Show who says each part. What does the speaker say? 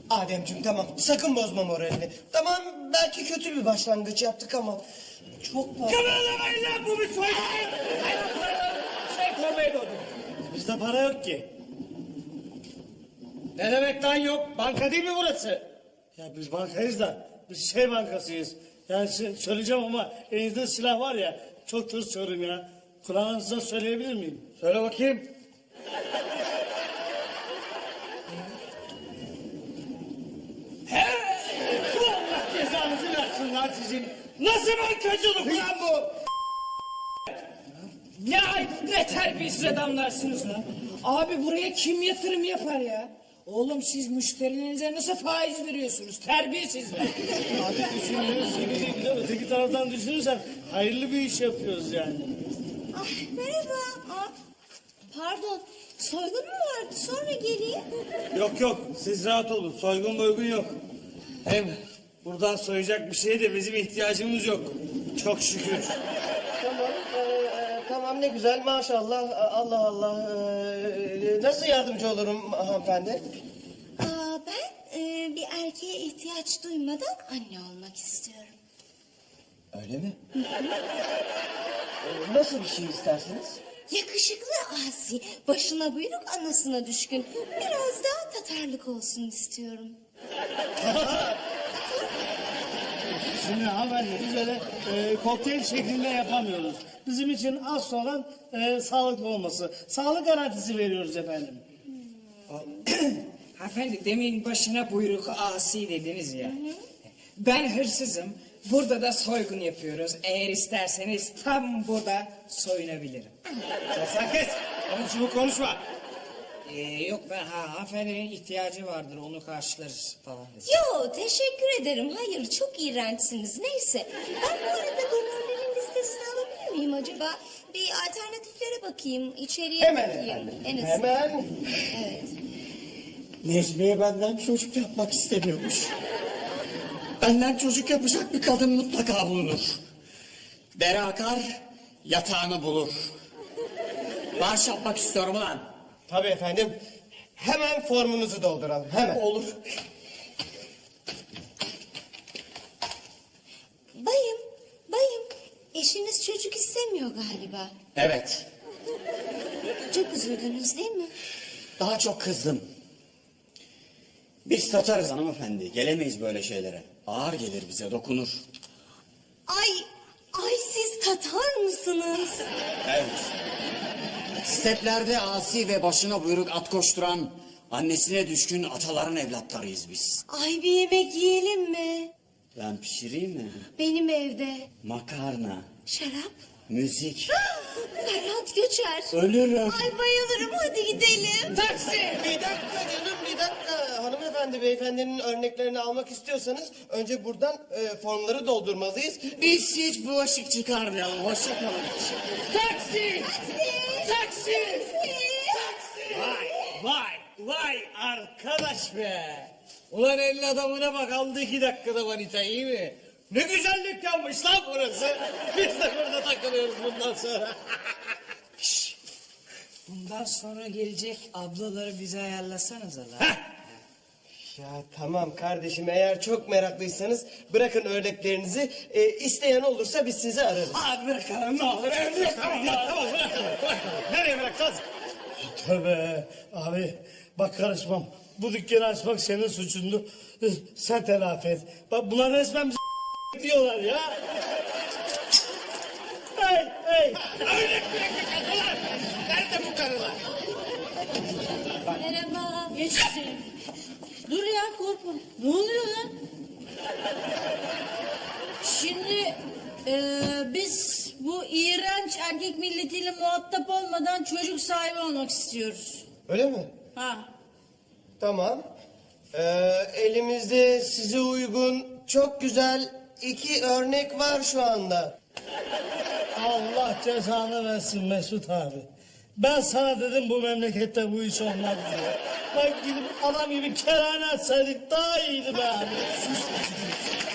Speaker 1: Ademciğim tamam, sakın bozma moralini. Tamam, belki kötü bir başlangıç yaptık ama... Çok var.
Speaker 2: Kımıldamayın lan, bu bir soygun. Şey doğdu.
Speaker 3: Bizde para yok ki.
Speaker 2: Ne demek lan yok? Banka değil mi burası?
Speaker 3: Ya biz bankayız da biz şey bankasıyız. Yani söyleyeceğim ama elinizde silah var ya, çok tır söylüyorum ya. Kulağınızda söyleyebilir miyim?
Speaker 2: Söyle bakayım. He! Bu Allah cezanızı versin lan sizin. Nasıl bankacılık lan bu?
Speaker 4: Ne ayıp, ne terbiyesiz adamlarsınız lan. Abi buraya kim yatırım yapar ya? Oğlum siz müşterilerinize nasıl faiz veriyorsunuz? Terbiyesizler.
Speaker 3: Abi düşünüyoruz gibi bir de öteki taraftan düşünürsen hayırlı bir iş yapıyoruz yani.
Speaker 5: Ah, merhaba. Pardon, soygun mu vardı? Sonra geleyim.
Speaker 3: Yok siz rahat olun, soygun boygun yok. Hem buradan soyacak bir şeye de bizim ihtiyacımız yok. Çok şükür.
Speaker 1: Tamam, tamam ne güzel maşallah. Allah Allah. Nasıl yardımcı olurum hanımefendi?
Speaker 5: Ben bir erkeğe ihtiyaç duymadan anne olmak istiyorum.
Speaker 1: Öyle mi? Nasıl bir şey istersiniz?
Speaker 5: Yakışıklı asi, başına buyruk, anasına düşkün. Biraz daha Tatarlık olsun istiyorum.
Speaker 3: Şimdi hanımefendi biz öyle kokteyl şeklinde yapamıyoruz. Bizim için asıl olan sağlıklı olması. Sağlık garantisi veriyoruz efendim.
Speaker 4: Hanımefendi demin başına buyruk asi dediniz ya. Ben hırsızım. Burada da soygun yapıyoruz. Eğer isterseniz tam burada soyunabilirim.
Speaker 2: Sen kes. Ama şimdi konuşma.
Speaker 4: Yok ben hanımefendinin ihtiyacı vardır onu karşılarız falan dedi.
Speaker 5: Yo, teşekkür ederim. Hayır, çok iğrençsiniz. Neyse, ben bu arada donörlerin listesini alabilir miyim acaba? Bir alternatiflere bakayım, içeriye
Speaker 1: Hemen
Speaker 5: bakayım.
Speaker 1: efendim.
Speaker 5: En azından.
Speaker 1: Hemen.
Speaker 5: Evet.
Speaker 6: Necmiye benden çocuk yapmak istemiyormuş. Benden çocuk yapacak bir kadın mutlaka bulunur. Dere akar, yatağını bulur. Bağış yapmak istiyorum ulan.
Speaker 1: Tabii efendim. Hemen formunuzu dolduralım. Hemen.
Speaker 6: Olur.
Speaker 5: Bayım, eşiniz çocuk istemiyor galiba.
Speaker 6: Evet,
Speaker 5: Çok üzüldünüz değil mi?
Speaker 6: daha çok kızdım. Biz Tatarız hanımefendi, gelemeyiz böyle şeylere. Ağır gelir bize, dokunur.
Speaker 5: Ay siz Tatar mısınız?
Speaker 6: Evet. Steplerde asi ve başına buyruk at koşturan, annesine düşkün ataların evlatlarıyız biz.
Speaker 5: Ay bir yemek yiyelim mi?
Speaker 6: Ben pişireyim mi?
Speaker 5: Benim evde.
Speaker 6: Makarna,
Speaker 5: Şarap.
Speaker 6: müzik.
Speaker 5: Ferhat Göçer.
Speaker 6: Ölürüm.
Speaker 5: Ay bayılırım, hadi gidelim.
Speaker 4: Taksi!
Speaker 1: Bir dakika canım, bir dakika. Hanımefendi, beyefendinin örneklerini almak istiyorsanız... ...önce buradan formları doldurmalıyız.
Speaker 6: Biz hiç bulaşık çıkarmayalım. Hoşça kalın.
Speaker 4: Taksi! Taksi!
Speaker 2: Vay arkadaş be. Ulan elin adamına bak, aldı 2 dakikada manita, iyi mi? Ne güzel dükkanmış lan burası. Biz de burada takılıyoruz bundan sonra.
Speaker 4: Bundan sonra gelecek ablaları bize ayarlasanız Allah.
Speaker 1: Ya tamam kardeşim, eğer çok meraklıysanız... ...bırakın örneklerinizi. İsteyen olursa biz sizi ararız.
Speaker 2: Abi bırakalım ne olur. Bırakalım ya, tamam bırakalım. Nereye bırakacağız?
Speaker 3: Tövbe abi bak karışmam. Bu dükkanı açmak senin suçundu. Sen telafi et. Bak bunlar resmen bizi diyorlar ya. Hey.
Speaker 2: Öyle bırakacağız ulan. Nerede bu karılar?
Speaker 5: Merhaba.
Speaker 7: Geçsin. Dur ya, korkma. Ne oluyor lan? Şimdi biz bu iğrenç erkek milletiyle muhatap olmadan çocuk sahibi olmak istiyoruz.
Speaker 1: Öyle mi?
Speaker 7: Ha.
Speaker 1: Tamam. Elimizde size uygun çok güzel 2 örnek var şu anda.
Speaker 3: Allah cezanı versin Mesut abi. Ben sana dedim bu memlekette bu iş olmaz diye. Bak gidip adam gibi kerane açsaydık daha iyiydi be abi.